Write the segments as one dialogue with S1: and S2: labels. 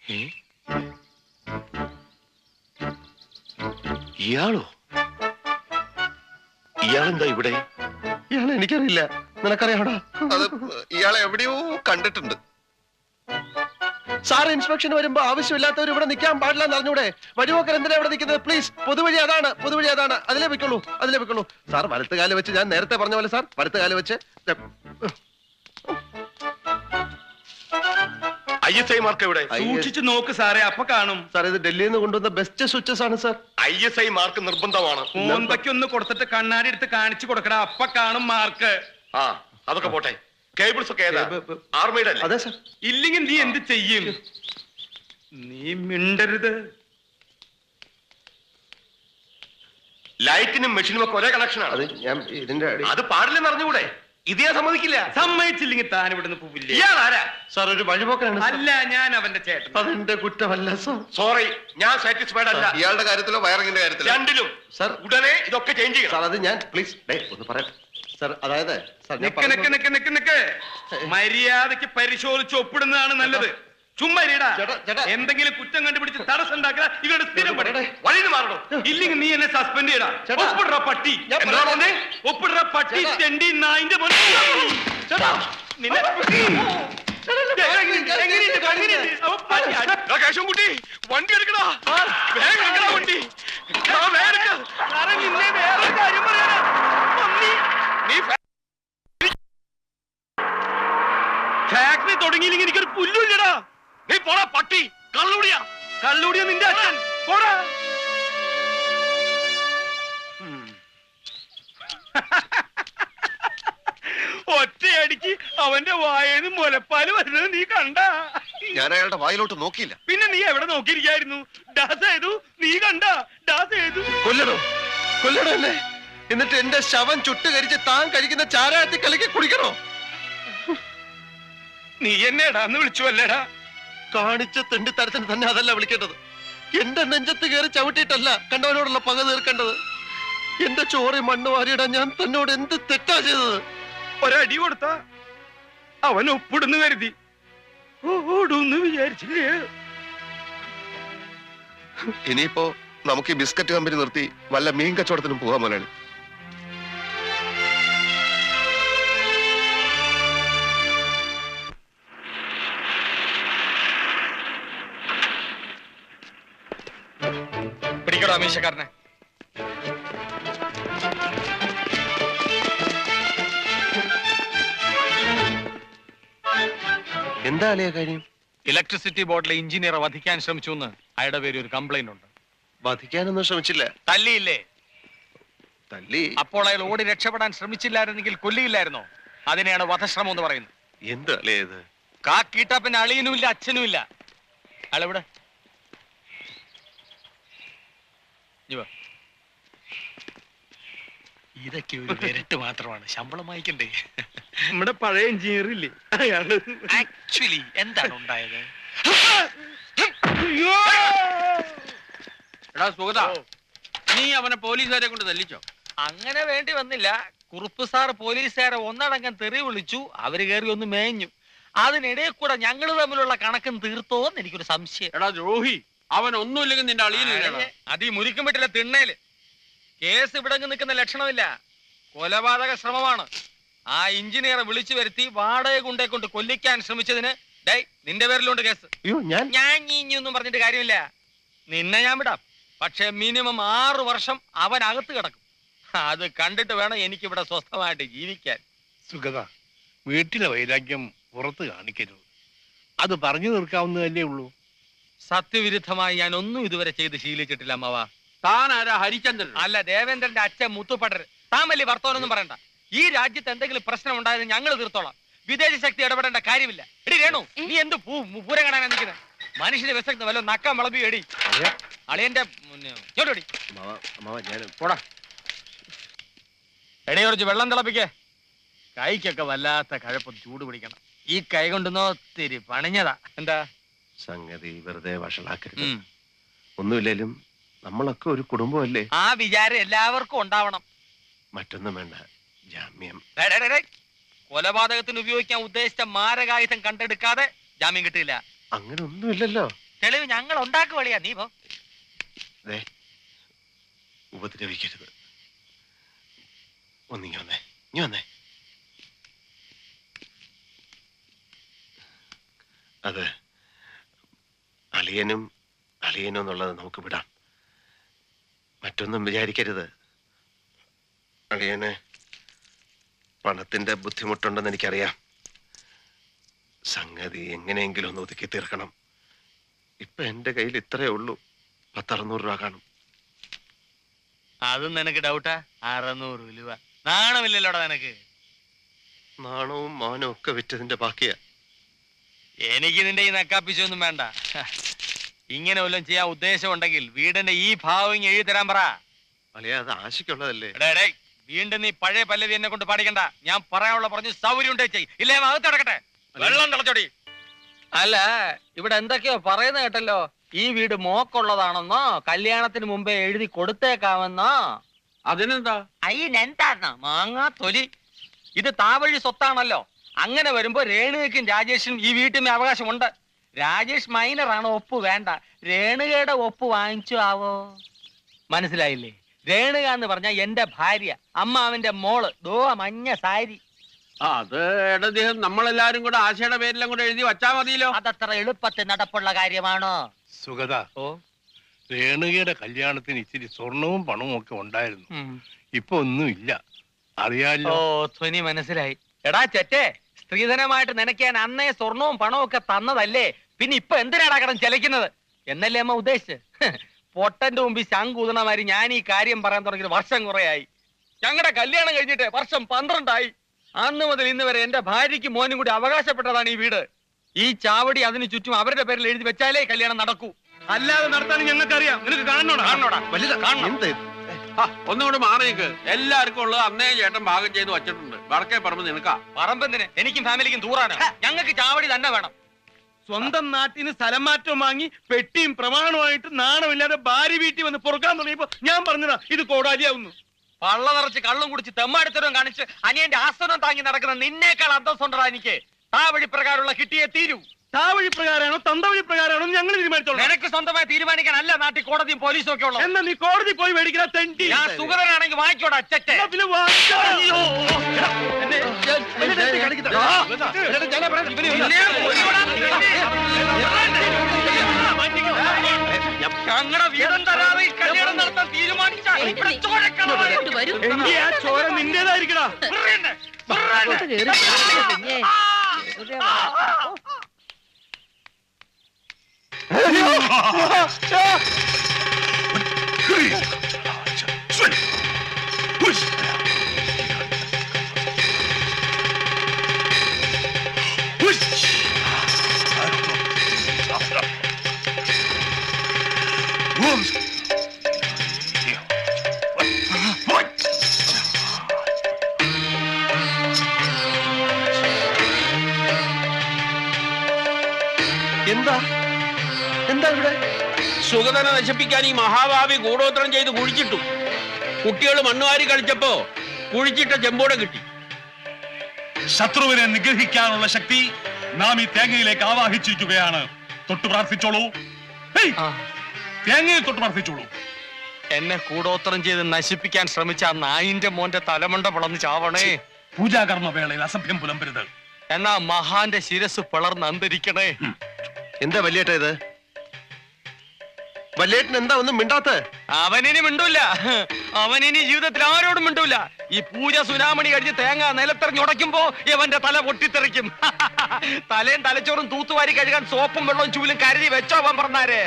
S1: ഇയാളോ? ഇയാളെന്താ ഇവിടെ?
S2: ഇയാളെ എനിക്കറിയില്ല, നിനക്കറിയാടാ?
S1: അത് ഇയാളെ എവിടെയോ കണ്ടിട്ടുണ്ട്.
S2: സാർ ഇൻസ്പെക്ഷൻ വരുമ്പോ ആവശ്യമില്ലാത്തവർ ഇവിടെ നിൽക്കാൻ പാടില്ല എന്ന് അറിഞ്ഞൂടെ? വഴിപോക്കർ എന്തിനാ ഇവിടെ നിൽക്കുന്നത്? പ്ലീസ്, പൊതുവഴി അതാണ്, പൊതുവഴി അതാണ്, അതിലേ വെക്കുള്ളൂ, അതിലേ വെക്കുള്ളൂ. സാർ വലത്തുകാല് വെച്ച്, ഞാൻ നേരത്തെ പറഞ്ഞ പോലെ സാർ വലത്തുകാല് വെച്ച്.
S1: ISI മാർക്ക് എവിടെ?
S3: സൂക്ഷിച്ചു നോക്ക് സാറേ, അപ്പൊ കാണും.
S2: സാർ ഇത് ഡൽഹിയിൽ നിന്ന് കൊണ്ടുവന്ന ബെസ്റ്റ് സ്വിച്ചസ് ആണ് സാർ.
S1: ISI മാർക്ക് നിർബന്ധമാണ്.
S3: മോന്തയ്ക്കൊന്ന് കൊടുത്തിട്ട് കണ്ണാടി എടുത്ത് കാണിച്ചു കൊടുക്കടാ, അപ്പൊ കാണും മാർക്ക്.
S1: ആ, അതൊക്കെ പോട്ടെ. കേബിൾസ് ഒക്കെ ഏതാ? ആർമിയുടെ അല്ലേ?
S2: അതെ സാർ.
S3: ഇല്ലെങ്കിൽ നീ എന്ത് ചെയ്യും? നീ മിണ്ടരുത്.
S1: ലൈറ്റിനും മെഷീനും ഒക്കെ ഒരേ കണക്ഷനാണ്.
S2: അത് ഞാൻ ഇതിന്റെ
S1: അത് പാടില്ലെന്ന് അറിഞ്ഞുകൂടെ? ഇത് ഞാൻ സമ്മതിക്കില്ല.
S3: സമ്മതിച്ചില്ലെങ്കിൽ താൻ ഇവിടുന്ന് പോവില്ലേ?
S1: ഇയാളാരാ?
S2: സാർ ഒരു വഴിപോക്കനാണ്.
S3: അല്ല, ഞാൻ അവന്റെ ചേട്ടൻ.
S2: അതെന്റെ കുറ്റമല്ല സാർ.
S1: സോറി, ഞാൻ സാറ്റിസ്ഫൈഡ് അല്ല.
S4: ഇയാളുടെ കാര്യത്തിലോ വയറിങ്ങിന്റെ കാര്യത്തിലോ?
S1: രണ്ടിലും.
S2: സാർ
S1: ഉടനെ ഇതൊക്കെ ചേഞ്ച് ചെയ്യണം.
S2: സാർ അത് ഞാൻ പ്ലീസ് ഒന്ന് പറയാം സാർ. അതായത് സാർ ഞാൻ
S3: നിക്ക് നിക്ക് നിക്ക് നിക്ക് നിക്ക്. മര്യാദക്ക് പരിശോധിച്ച് ഒപ്പിടുന്നതാണ് നല്ലത്. ചുമ്മാ ഇരിടാ.
S2: ചേട്ടാ.
S3: എന്തെങ്കിലും കുറ്റം കണ്ടുപിടിച്ച് തടസ്സം ഉണ്ടാക്കുക ഇവരുടെ സ്ഥിരം പണി.
S1: വഴിന്ന് മാറണോ?
S3: ഇല്ലെങ്കിൽ നീ എന്നെ സസ്പെൻഡ് ചെയ്യടാ.
S2: ചേട്ടാ.
S3: ഒപ്പിടുற പട്ടി.
S2: ഞാൻ
S3: എന്താ പറഞ്ഞേ? ഒപ്പിടുற പട്ടി.
S2: ചേട്ടാ.
S3: തെണ്ടി നായിന്റെ മോനെ.
S2: ചേട്ടാ.
S3: നിന്നെ എങ്ങനെയുണ്ട്? അവൻ പട്ടി.
S1: കേശവൻകുട്ടി, വണ്ടി എടുക്കടാ. വേഗം എടുക്കടാ വണ്ടി. വേഗം എടുക്ക.
S3: സാറേ, നിന്നെ വേറൊരു കാര്യം പറയാനാ. പന്നി.
S1: നീ
S3: ഫാക്ടറി തുടങ്ങിയില്ലെങ്കിൽ എനിക്കൊരു പുല്ലുമില്ലടാ.
S1: നീ പോടാ പട്ടി. കള്ളുടിയാ.
S3: കള്ളുടിയ നിന്റെ അച്ഛൻ. പോടാ. ഒറ്റയടിക്ക് അവന്റെ വായേന്ന് മുലപ്പാല് വരുന്നത് നീ കണ്ട?
S4: ഞാൻ അയാളുടെ വായിലോട്ട് നോക്കിയില്ല.
S3: പിന്നെ നീ എവിടെ നോക്കിയിരിക്കായിരുന്നു? ഡാസ് ചെയ്തു. നീ കണ്ട? ഡാസ് ചെയ്തു.
S2: കൊല്ലണോ? കൊല്ലണോ എന്നെ? എന്നിട്ട് എന്റെ ശവം ചുട്ടുകരിച്ച് താൻ കഴിക്കുന്ന ചാരായത്തിൽ കലക്കി കുടിക്കണോ?
S3: നീ എന്നെ എടാന്ന് വിളിച്ചു അല്ലേടാ?
S2: കാണിച്ച തെണ്ടിത്തരത്തിന് തന്നെ അതല്ല വിളിക്കേണ്ടത്. എന്റെ നെഞ്ചത്ത് കയറി ചവിട്ടിയിട്ടല്ല കണ്ടവനോടുള്ള പക തീർക്കേണ്ടത്. എന്റെ ചോറി മണ്ണ് വാരിയിടാൻ ഞാൻ തന്നോട് എന്ത് തെറ്റാ ചെയ്തത്?
S3: ഒരടി കൊടുത്ത അവൻ ഒപ്പിടുന്നു കരുതി ഓടൂന്ന് വിചാരിച്ചില്ലേ?
S4: ഇനിയിപ്പോ നമുക്ക് ഈ ബിസ്ക്കറ്റ് കമ്പനി നിർത്തി വല്ല മീൻ കച്ചവടത്തിനും പോകാൻ മുതലാളി.
S3: പിടിക്കടോ അമീശക്കാരനെ.
S2: എന്താ അളിയ കാര്യം?
S5: ഇലക്ട്രിസിറ്റി ബോർഡിലെ എഞ്ചിനീയറെ വധിക്കാൻ ശ്രമിച്ചു എന്ന് അയാളുടെ പേര് ഒരു കംപ്ലൈന്റ് ഉണ്ട്.
S2: വധിക്കാനൊന്നും ശ്രമിച്ചില്ല.
S5: തല്ലിയില്ലേ?
S2: തല്ലി.
S5: അപ്പോൾ അയാൾ ഓടി രക്ഷപ്പെടാൻ ശ്രമിച്ചില്ലായിരുന്നെങ്കിൽ കൊല്ലിയില്ലായിരുന്നോ? അതിനെയാണ് വധശ്രമം എന്ന് പറയുന്നത്.
S2: എന്ത് അളിയ ഇത്?
S5: കാക്കീട്ടാ പിന്നെ അളിയനും ഇല്ല അച്ഛനും ഇല്ല. അയാളെവിടെ? ഇതൊക്കെ ഒരു വിരട്ട് മാത്രമാണ്, ശമ്പളം വായിക്കണ്ടേ?
S3: നമ്മുടെ പഴയ എഞ്ചിനീയർ ഇല്ലേ അയാള്?
S5: ആക്ച്വലി എന്താണ് ഉണ്ടായത്?
S6: എടാ സുഗത, നീ അവനെ പോലീസുകാരെ കൊണ്ട് തല്ലിച്ചോ?
S5: അങ്ങനെ വേണ്ടി വന്നില്ല. കുറുപ്പ് സാർ പോലീസുകാരെ ഒന്നടങ്കം തെറി വിളിച്ചു. അവര് കയറി ഒന്ന് മേഞ്ഞു. അതിനിടയിൽ കൂടെ ഞങ്ങൾ തമ്മിലുള്ള കണക്കും തീർത്തോന്ന് എനിക്കൊരു സംശയം.
S6: എടാ ദ്രോഹി, അവൻ ഒന്നുമില്ലെങ്കിൽ നിന്റെ അളിയനില്ല.
S5: അത് ഈ മുരിക്കും പറ്റില്ല തിണ്ണേല്. കേസ് ഇവിടെ നിൽക്കുന്ന ലക്ഷണമില്ല. കൊലപാതക ശ്രമമാണ്. ആ എഞ്ചിനീയറെ വിളിച്ചു വരുത്തി വാടക കൊണ്ടേ കൊണ്ട് കൊല്ലിക്കാൻ ശ്രമിച്ചതിന് നിന്റെ പേരിലുണ്ട് കേസ്. ഞാൻ ഇനിയൊന്നും പറഞ്ഞിട്ട് കാര്യമില്ല. നിന്നെ ഞാൻ വിടാം. പക്ഷെ മിനിമം 6 വർഷം അവൻ അകത്ത് കിടക്കും. അത് കണ്ടിട്ട് വേണം എനിക്കിവിടെ സ്വസ്ഥമായിട്ട് ജീവിക്കാൻ.
S7: സുഗത, വീട്ടിലെ വൈരാഗ്യം പുറത്ത് കാണിക്കരുത്. അത് പറഞ്ഞു തീർക്കാവുന്നതല്ലേ ഉള്ളൂ.
S5: സത്യവിരുദ്ധമായി ഞാൻ ഒന്നും ഇതുവരെ ചെയ്ത് ശീലിച്ചിട്ടില്ല അമ്മവ.
S6: താൻ ആരാ? ഹരിചന്ദ്രൻ
S5: അല്ല, ദേവേന്ദ്രന്റെ അച്ഛൻ മുത്തുപടർ. താൻ വലിയ വർത്തമാനൊന്നും പറയണ്ട. ഈ രാജ്യത്ത് എന്തെങ്കിലും പ്രശ്നം ഉണ്ടായത് ഞങ്ങൾ തീർത്തോളാം. വിദേശ ശക്തി ഇടപെടേണ്ട കാര്യമില്ല. എടി രേണു, നീ എന്ത് പൂരം കാണാനാ നിൽക്കുന്നത്? മനുഷ്യനെ വിശക്കുന്ന വല്ല നക്കം വിളമ്പി എടി. അളിയന്റെ പോടാ. എടി കുറച്ച് വെള്ളം തിളപ്പിക്കേ. കൈക്കൊക്കെ വല്ലാത്ത കഴപ്പം, ചൂട് പിടിക്കണം. ഈ കൈ കൊണ്ടുവന്നോ ഒത്തിരി പണിഞ്ഞതാ. എന്താ
S2: സംഗതി? വെറുതെ വഷളാക്കരുത്. ഒന്നുമില്ലേലും നമ്മളൊക്കെ ഒരു കുടുംബമല്ലേ?
S5: ആ വിചാരം എല്ലാവർക്കും ഉണ്ടാവണം.
S2: മറ്റൊന്നും വേണ്ട, ജാമ്യം.
S5: കൊലപാതകത്തിന് ഉപയോഗിക്കാൻ ഉദ്ദേശിച്ച മാരകായുധം കണ്ടെടുക്കാതെ ജാമ്യം കിട്ടില്ല.
S2: അങ്ങനെ ഒന്നുമില്ലല്ലോ.
S5: തെളിവ് ഞങ്ങൾ ഉണ്ടാക്കുവളിയാ, നീ പോ.
S2: ഉപദ്രവിക്കരുത്. ഒന്നിങ്ങി വന്നേ, നീ വന്നേ. അത് അളിയനും എന്നുള്ളത് നമുക്ക് വിടാം. മറ്റൊന്നും വിചാരിക്കരുത്. അളിയന് പണത്തിന്റെ ബുദ്ധിമുട്ടുണ്ടെന്ന് എനിക്കറിയാം. സംഗതി എങ്ങനെയെങ്കിലും ഒന്ന് ഒതുക്കി തീർക്കണം. ഇപ്പൊ എന്റെ കയ്യിൽ ഇത്രയേ ഉള്ളൂ. 600 രൂപ കാണും.
S5: അതും നിനക്ക് ഡൗട്ടാ? 600 രൂപ നാണമില്ലല്ലോടാ നിനക്ക്?
S2: നാണവും മാനവും ഒക്കെ വിറ്റതിന്റെ ബാക്കിയാ.
S5: എനിക്ക് നിന്റെ ഈ നക്കാപ്പിച്ചൊന്നും വേണ്ട. ഇങ്ങനെ വല്ലതും ചെയ്യാൻ ഉദ്ദേശം ഉണ്ടെങ്കിൽ വീടിന്റെ ഈ ഭാവം എഴുതി തരാൻ പറ.
S2: അളിയ, അത് ആശയ്ക്കുള്ളതല്ലേ?
S5: വീണ്ടും നീ പഴയ പല്ലവി എന്നെ കൊണ്ട് പാടിക്കണ്ട. ഞാൻ പറയാനുള്ള പറഞ്ഞു സൗകര്യം ഉണ്ടേ ചെയ്, ഇല്ലേ അകത്ത് കിടക്കട്ടെ. വെള്ളം തിളച്ചോടി. അല്ല, ഇവിടെ എന്തൊക്കെയോ പറയുന്ന കേട്ടല്ലോ. ഈ വീട് മോക്കുള്ളതാണെന്നോ കല്യാണത്തിന് മുമ്പേ എഴുതി കൊടുത്തേക്കാമെന്നോ.
S6: അതിനെന്താ?
S5: അയ്യെന്താ മാങ്ങാ തൊലി. ഇത് താവഴി സ്വത്താണല്ലോ. അങ്ങനെ വരുമ്പോ രേണുകയ്ക്കും രാജേഷിനും ഈ വീട്ടിന് അവകാശമുണ്ട്. രാജേഷ് മൈനറാണ്, ഒപ്പ് വേണ്ട. രേണുകയുടെ ഒപ്പ് വാങ്ങിച്ചു ആവോ? മനസ്സിലായില്ലേ? രേണുക എന്ന് പറഞ്ഞ എന്റെ ഭാര്യ, അമ്മാവന്റെ മോള്. ദോ മഞ്ഞ സാരി.
S6: അത് ഇടദ്ദേഹം നമ്മളെല്ലാരും കൂടെ ആശയുടെ പേരിലും കൂടെ എഴുതി വച്ചാ മതിയല്ലോ.
S5: അതത്ര എളുപ്പത്തിൽ നടപ്പുള്ള കാര്യമാണോ?
S7: സുഗത,
S5: ഓ,
S7: രേണുകയുടെ കല്യാണത്തിന് ഇച്ചിരി സ്വർണവും പണവും ഒക്കെ ഉണ്ടായിരുന്നു. ഇപ്പൊ ഒന്നുമില്ല, അറിയാലോ.
S5: ഓ, ധ്വനി മനസ്സിലായി. എടാ ചെറ്റേ, സ്ത്രീധനമായിട്ട് നിനക്കാൻ അന്നേ സ്വർണവും പണവും ഒക്കെ തന്നതല്ലേ, പിന്നെ ഇപ്പൊ എന്തിനാടാ കടം ചെലക്കുന്നത് എന്നല്ലേ അമ്മ ഉദ്ദേശിച്ച്? പൊട്ടന്റെ മുമ്പിൽ ശങ്കൂതണമാരി ഞാൻ ഈ കാര്യം പറയാൻ തുടങ്ങിയത് വർഷം കുറയായി. ഞങ്ങളുടെ കല്യാണം കഴിഞ്ഞിട്ട് വർഷം 12 ആയി. അന്ന് മുതൽ ഇന്ന് വരെ എന്റെ ഭാര്യയ്ക്ക് മോനും കൂടി അവകാശപ്പെട്ടതാണ് ഈ വീട്. ഈ ചാവടി അതിന് ചുറ്റും അവരുടെ പേരിൽ എഴുതി വെച്ചാലേ കല്യാണം നടക്കൂ.
S3: അല്ലാതെ നടത്താൻ ഞങ്ങൾക്കറിയാം. നിനക്ക് കാണണോടാ?
S6: ഒന്നുകൂടെ മാറിയേക്ക്. എല്ലാവർക്കും ഉള്ളത് അന്നേ ചേട്ടൻ ഭാഗം ചെയ്ത് വച്ചിട്ടുണ്ട്. വടക്കേ പറമ്പ് നിനക്കാ.
S5: പറമ്പെന്തിന്? എനിക്കും ഫാമിലിക്കും ദൂറാണ്. ഞങ്ങൾക്ക് ചാവടി തന്നെ വേണം.
S3: സ്വന്തം നാട്ടിന് സ്ഥലം മാറ്റം വാങ്ങി പെട്ടിയും പ്രമാണമായിട്ട് നാണമില്ലാതെ ഭാര്യ വീട്ടിൽ വന്ന് പൊറുക്കാൻ തുടങ്ങിയപ്പോ ഞാൻ പറഞ്ഞതാ ഇത് കോടാലിയാവുന്നു.
S5: പള്ള നിറച്ച് കള്ളും കുടിച്ച് തെമ്മാടിത്തരവും കാണിച്ച് അനിയന്റെ ആസനം താങ്ങി നടക്കുന്ന നിന്നേക്കാൾ അന്തസ്സുണ്ടടാ എനിക്ക്. താവഴി പ്രകാരമുള്ള കിട്ടിയേ തീരൂ.
S3: താവഴി പ്രകാരമാണോ തന്തവഴി പ്രകാരമാണോ ഞങ്ങൾ തീരുമാനിച്ചോളൂ.
S5: നിനക്ക് സ്വന്തമായി തീരുമാനിക്കാനല്ല നാട്ടിൽ കോടതിയും പോലീസും ഒക്കെ ഉള്ളത്.
S3: എന്നാ നീ കോടതി പോയി മേടിക്കുന്ന തെണ്ടി.
S5: ഞാൻ സുഗതനാണെങ്കിൽ വാങ്ങിക്കോടാ അച്ചറ്റെ. ഞങ്ങളുടെ വീടും തരാതെ ഈ കല്യാണം നടത്താൻ തീരുമാനിച്ചാൽ
S3: എങ്കി ആ ചോര നിന്റേതായിരിക്കടാ.
S2: എന്താ ഇവിടെ?
S6: സുഗതനെ നശിപ്പിക്കാൻ ഈ മഹാഭാവി ഗൂഢോത്രം ചെയ്ത് കുഴിച്ചിട്ടു. കുട്ടികൾ മണ്ണുവാരി കളിച്ചപ്പോ കുഴിച്ചിട്ട ചെമ്പോടെ കിട്ടി.
S8: ശത്രുവിനെ നിഗ്രഹിക്കാനുള്ള ശക്തി നാം ഈ തേങ്ങയിലേക്ക് ആവാഹിച്ചിരിക്കുകയാണ്. തൊട്ടു പ്രാർത്ഥിച്ചോളൂ. തേങ്ങയിൽ തൊട്ട് പ്രാർത്ഥിച്ചോളൂ.
S5: എന്നെ കൂടോത്രം ചെയ്ത് നശിപ്പിക്കാൻ ശ്രമിച്ച ആ നായിന്റെ മോന്റെ തലമണ്ട പിളർന്ന് ചാവണേ.
S8: പൂജാകർമ്മ വേളയിൽ അസഭ്യം പുലമ്പരുത്.
S5: എന്നാ മഹാന്റെ ശിരസ് പിളർന്ന് അന്തരിക്കണേ.
S2: എന്താ വല്യേട്ട ഇത്? വല്യേട്ടൻ എന്താ ഒന്നും മിണ്ടാത്ത?
S5: അവനിനി മിണ്ടൂല. അവനിനി ജീവിതത്തിൽ ആരോടും മിണ്ടൂല. ഈ പൂജ സുനാമണി കഴിഞ്ഞ് തേങ്ങ നിലത്തെറിഞ്ഞുടയ്ക്കുമ്പോ ഇവന്റെ തല പൊട്ടിത്തെറിക്കും. തലയും തലച്ചോറും തൂത്തുവാരി കഴുകാൻ സോപ്പും വെള്ളവും ചൂലും കരുതി വെച്ചോ അവൻ പറഞ്ഞാരേ.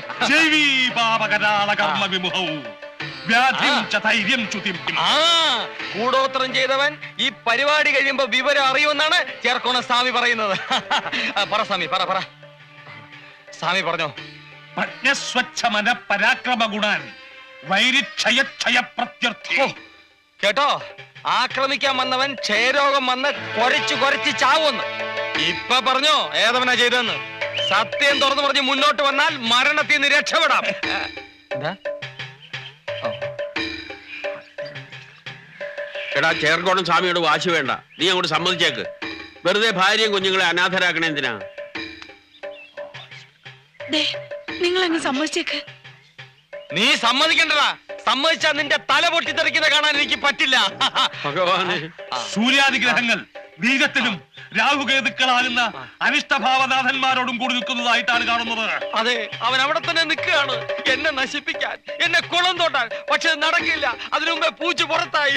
S5: കൂടോത്രം ചെയ്തവൻ ഈ പരിപാടി കഴിയുമ്പോ വിവരം അറിയുമെന്നാണ് ചേർക്കോണ സ്വാമി പറയുന്നത്. പറ സ്വാമി, പറ. സ്വാമി പറഞ്ഞോ.
S8: പ്രജ്ഞസ്വച്ഛമന പരാക്രമ ഗുണാൻ വൈരിക്ഷയ പ്രത്യർത്ഥി.
S5: കേട്ടോ, ആക്രമിക്കാൻ വന്നവൻ ക്ഷയരോഗം വന്ന് കൊരച്ചു ചാവുമെന്ന്. ഇപ്പൊ പറഞ്ഞോ ഏതവനാ ചെയ്തെന്ന്. സത്യം തുറന്നു പറഞ്ഞ് മുന്നോട്ട് വന്നാൽ മരണത്തിൽ നിന്ന് രക്ഷപ്പെടാം.
S6: എടാ, ചേർക്കോണം സ്വാമിയോട് വാശി വേണ്ട. നീ അങ്ങോട്ട് സമ്മതിച്ചേക്ക്. വെറുതെ ഭാര്യയും കുഞ്ഞുങ്ങളെ അനാഥരാക്കണേ എന്തിനാ?
S9: നിങ്ങൾ അങ്ങ് സമ്മതിച്ചേക്ക്.
S5: നീ സമ്മതിക്കണ്ടടാ. സമ്മതിച്ചാ നിന്റെ തല പൊട്ടിത്തെറിക്കുന്ന കാണാൻ എനിക്ക് പറ്റില്ല.
S6: ഭഗവാനെ,
S8: സൂര്യാദിഗ്രഹങ്ങൾ ബീജത്തിലും രാഹുകേതുക്കളാകുന്ന അനിഷ്ടഭാവനാഥന്മാരോടും കൂടി നിൽക്കുന്നതായിട്ടാണ് കാണുന്നത്.
S5: അതെ, അവൻ അവിടെ തന്നെ നിൽക്കുകയാണ് എന്നെ നശിപ്പിക്കാൻ, എന്നെ കുളം തോട്ടാൻ. പക്ഷെ നടക്കില്ല. അതിനു മുമ്പേ പൂച്ച പുറത്തായി.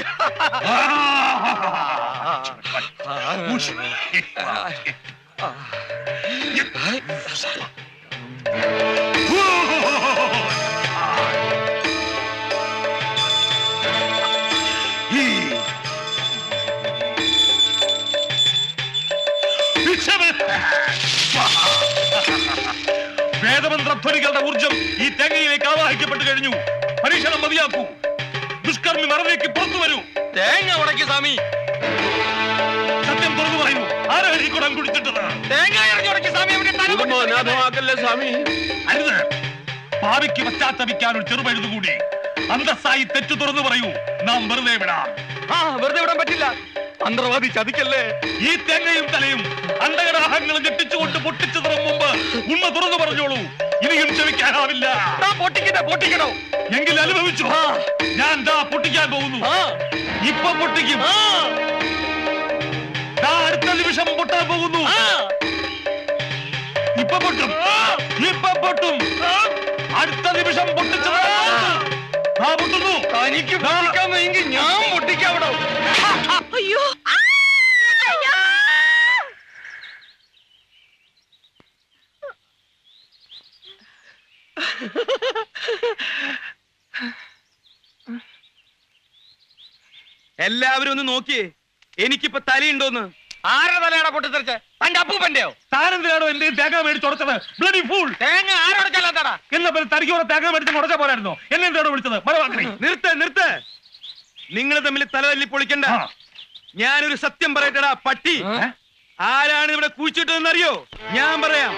S8: വേദമന്ത്രധ്വനികളുടെ ഊർജം ഈ തേങ്ങയിലേക്ക് ആവാഹിക്കപ്പെട്ടു കഴിഞ്ഞു. പരീക്ഷണം മതിയാക്കൂ. ദുഷ്കർമ്മി മറവിലേക്ക് പുറത്തു വരൂ.
S5: തേങ്ങ ഉടക്കി സ്വാമി.
S8: സത്യം തുറന്നു പറയൂ. ആരാണ് ഈ കുടം കുടിച്ചിട്ടത്?
S5: തേങ്ങ ഇറങ്ങി ഉടക്കി സ്വാമി.
S6: കുടുംബം അനാഥമാക്കല്ലേ സ്വാമി.
S8: അരുത്. ഭാവിക്ക് പശ്ചാത്തപിക്കാൻ ഒരു ചെറുപഴുതുകൂടി. അന്തസ്സായി തെറ്റു തുറന്നു പറയൂ. നാം വെറുതെ വിടാം.
S5: വെറുതെ വിടാൻ പറ്റില്ല. മന്ത്രവാദി ചതിക്കല്ലേ.
S8: ഈ തേങ്ങയും തലയും അണ്ടകടാഹങ്ങളും ഞെട്ടിച്ചുകൊണ്ട് പൊട്ടിച്ചതിന് മുമ്പ് ഉണ്മ തുറന്നു പറഞ്ഞോളൂ. ഇനിയും ക്ഷമിക്കാനാവില്ല.
S5: പൊട്ടിക്കണോ?
S8: എങ്കിൽ അനുഭവിച്ചു. ഞാൻ ദാ പൊട്ടിക്കാൻ പോകുന്നു. ഇപ്പൊ പൊട്ടിക്കും. ദാ അടുത്ത നിമിഷം പൊട്ടാൻ പോകുന്നു. ഇപ്പൊ പൊട്ടും. അടുത്ത നിമിഷം പൊട്ടിച്ചത് പൊട്ടുന്നു.
S5: തനിക്ക് പൊട്ടിക്കാമെങ്കിൽ ഞാൻ പൊട്ടിക്കാവിടോ.
S9: അയ്യോ,
S3: എല്ലാവരും ഒന്ന് നോക്കിയേ. എനിക്കിപ്പോ തലയുണ്ടോന്ന്.
S5: ആരുടെ തലയാണോ പൊട്ടിത്തെറിച്ച്? തന്റെ അപ്പൂപ്പന്റെയോ?
S8: താനെന്തിനാണോ എന്റെ തേങ്ങ മേടിച്ചുടച്ചത്? Bloody fool.
S5: തേങ്ങ ആരോടക്കല്ലാത്താടാ?
S8: എന്നാ പിന്നെ തനിക്ക് കുറെ തേങ്ങ മേടിച്ച് ഉടച്ച പോരായിരുന്നോ? എന്നെ എന്താണ് വിളിച്ചത്? മരവാക്കി.
S3: നിർത്ത്. നിങ്ങൾ തമ്മിൽ തലതല്ലി പൊളിക്കണ്ട. ഞാനൊരു സത്യം പറയട്ടടാ പട്ടി. ആരാണ് ഇവിടെ കുഴിച്ചിട്ടതെന്ന് അറിയോ? ഞാൻ പറയാം.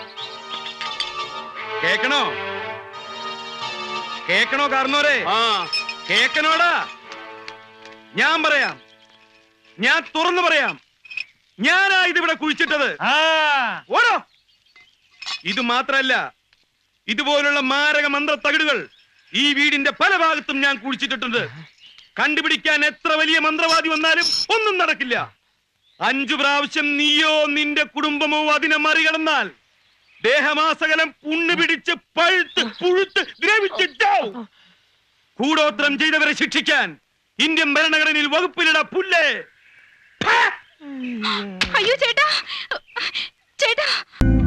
S3: കേക്കണോ കാരണോരെ? കേക്കണോടാ? ഞാൻ പറയാം. ഞാൻ തുറന്നു പറയാം. ഞാനാ ഇതിവിടെ കുഴിച്ചിട്ടത്. ഓടോ. ഇത് മാത്രല്ല, ഇതുപോലുള്ള മാരക മന്ത്ര തകിടുകൾ ഈ വീടിന്റെ പല ഭാഗത്തും ഞാൻ കുഴിച്ചിട്ടിട്ടുണ്ട്. കണ്ടുപിടിക്കാൻ എത്ര വലിയ മന്ത്രവാദി വന്നാലും ഒന്നും നടക്കില്ല. 5 പ്രാവശ്യം നീയോ നിന്റെ കുടുംബമോ അതിനെ മറികടന്നാൽ ദേഹമാസകലം പുണ്ണ് പിടിച്ച് പഴുത്ത് പുഴുത്ത് ദ്രവിച്ചിട്ടാവും. കൂടോത്രം ചെയ്തവരെ ശിക്ഷിക്കാൻ ഇന്ത്യൻ ഭരണഘടനയിൽ വകുപ്പിലിട പുല്ലേ.
S9: അയ്യോ ചേട്ടാ.